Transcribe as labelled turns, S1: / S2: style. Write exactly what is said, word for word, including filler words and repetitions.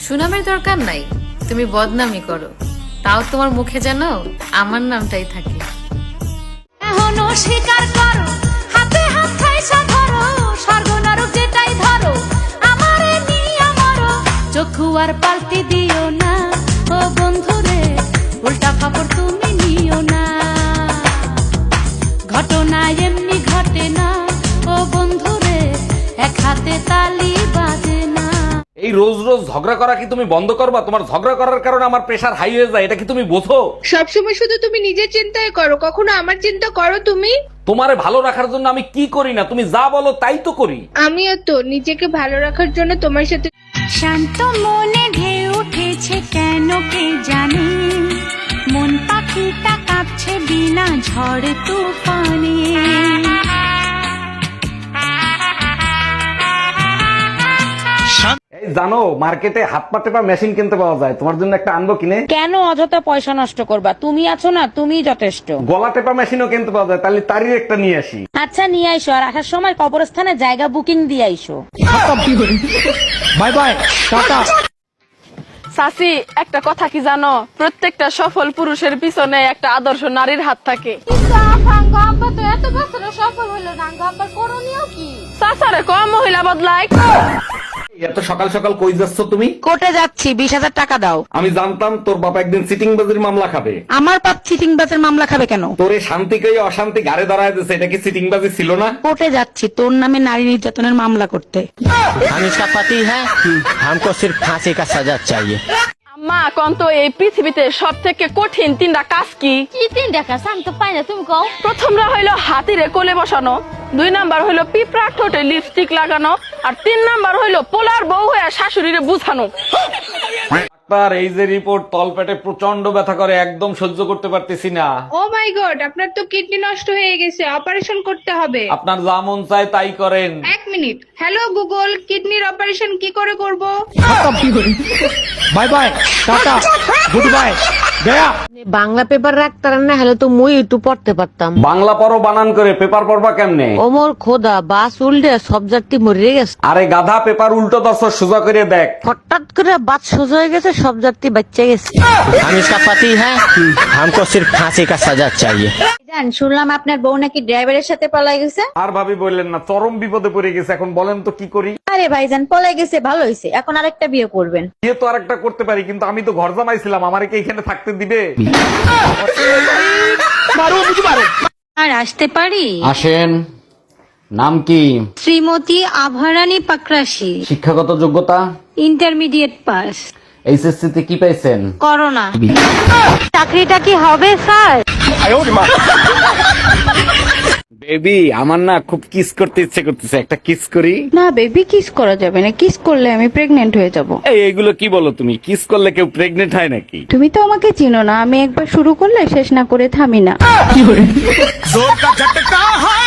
S1: সুনামের দরকার নাই, তুমি বদনামি করো, তাও তোমার মুখে যেন আমার নামটাই থাকে।
S2: এখনো স্বীকার করো, হাতে হাত খাইছা ধরো, স্বর্গ নরক যেটাই ধরো, আমারে নিয়া মরো। চক্ষু আর পাল্টি দিও না ও বন্ধুরে, উল্টা খবর তুমি নিও না। ঘটনা এমনি ঘটে না ও বন্ধুরে, এক হাতে তালি বাজে না।
S3: এই রোজ রোজ ঝগড়া করা কি তুমি বন্ধ করবা? তোমার ঝগড়া করার কারণে আমার প্রেশার হাই হয়ে যায়, এটা কি তুমি বোঝো?
S4: সবসময় শুধু তুমি নিজের চিন্তায় করো, কখনো আমার চিন্তা করো তুমি?
S3: তোমারে ভালো রাখার জন্য আমি কি করি না, তুমি যা বলো তাই তো করি।
S4: আমিও তো নিজেকে ভালো রাখার জন্য তোমার সাথে।
S2: শান্ত মনে ঢেউ উঠেছে কেন কে জানে, মন পাখিটা কাঁপছে বিনা ঝড় তুফানে।
S3: এই জানো, মার্কেটে হাত পা টেপা মেশিন কিনতে পাওয়া যায়, তোমার জন্য একটা আনবো কিনে?
S5: কেন অযথা পয়সা নষ্ট করবা? তুমি আছো না, তুমিই যথেষ্ট।
S3: গলা টেপা মেশিনও কিনতে পাওয়া যায়, তাহলে তারই একটা নিয়ে আসি।
S5: আচ্ছা নিয়ে আইসো, আর আসার সময় কবরস্থানে জায়গা বুকিং দিয়ে আইসো।
S3: Bye bye, tata.
S6: সাসি, একটা কথা কি জানো, প্রত্যেকটা সফল পুরুষের পিছনে একটা আদর্শ নারীর হাত থাকে।
S2: এত বছরে সফল হইলো না, আব্বার করণীয় কি?
S6: সাসারে কম মহিলা বদলায়।
S3: এত সকাল সকাল কই যাচ্ছ তুমি?
S5: কোর্টে যাচ্ছি, বিশ হাজার টাকা দাও।
S3: আমি জানতাম তোর বাবা একদিন সিটিং বাজির মামলা খাবে।
S5: আমার বাপ চিটিং বাজের মামলা খাবে কেন?
S3: তোরে শান্তিকে অশান্তি ঘাড়ে দাঁড়ায় দিচ্ছে, এটা কি সিটিং বাজি ছিল না?
S5: কোর্টে যাচ্ছি তোর নামে নারী নির্যাতনের মামলা করতে।
S7: हम इसका पति है, हमको सिर्फ फांसी का सजा चाहिए।
S6: আম্মা, কোন তো এই পৃথিবীতে সব থেকে কঠিন তিনটা কাজ কি?
S2: কি তিনটা কাজ আমি তো পাই না, তুমি কও।
S6: প্রথমটা হইলো হাতিরে কোলে বসানো, দুই নাম্বার হইলো পিঁপড়ার ঠোঁটে লিপস্টিক লাগানো, আর তিন নাম্বার হইলো পোলার বউ হয়ে শাশুড়িরে বুঝানো।
S3: ডাক্তার, এই যে রিপোর্ট, তলপেটে প্রচন্ড ব্যথা করে, একদম সহ্য করতে পারতেছি না।
S4: ও মাই গড, আপনার তো কিডনি নষ্ট হয়ে গেছে, অপারেশন করতে হবে।
S3: আপনার যা মন চায় তাই করেন।
S4: এক মিনিট, হ্যালো গুগল, কিডনির অপারেশন কি করে করব?
S3: Bye bye, tata, goodbye, গয়া।
S8: বাংলা পেপার রাখতার না হলে তো মুই একটু পড়তে পারতাম।
S3: বাংলা পড়ো বানান করে, পেপার পড়বা কেমনে?
S8: ওমর খোদা, বাস উল্টে সব যাত্রী মরে গেছে।
S3: আরে গাধা, পেপার উল্টো দশ সোজা করে দেখ।
S8: হঠাৎ করে বাস সোজা হয়ে গেছে, সব যাত্রী বাচ্চা গেছে।
S7: हम इसका पति है, हमको सिर्फ फांसी का सजा चाहिए।
S9: জান, শুনলাম আপনার বউ নাকি ড্রাইভারের সাথে পলাই গেছে।
S3: আর ভাবি বললেন না, চরম বিপদে পড়ে গেছে, এখন বলেন তো কি করি?
S9: আরে ভাইজান, পলাই গেছে ভালো হয়েছে, এখন আরেকটা বিয়ে করবেন।
S3: বিয়ে তো আরেকটা করতে পারি, কিন্তু আমি তো ঘর জামাইছিলাম, আমারে কি এখানে থাকতে দিবে?
S9: আর আসতে পারি?
S3: আসেন। নাম কি?
S9: শ্রীমতী আভারানী পাকরাশি,
S3: শিক্ষাগত যোগ্যতা?
S9: Intermediate pass.
S3: এইচএসসি তে কি পাইছেন?
S9: করোনা। চাকরিটা কি হবে স্যার?
S3: বেবি, আমার না খুব কিস করতে ইচ্ছে করতেছে, একটা কিস করি।
S9: না বেবি, কিস করা যাবে না, কিস করলে আমি প্রেগনেন্ট হয়ে যাব।
S3: এই এগুলো কি বলো তুমি? কিস করলে কেউ প্রেগনেন্ট হয় নাকি?
S9: তুমি তো আমাকে চিনো না, আমি একবার শুরু করলে শেষ না করে থামি না।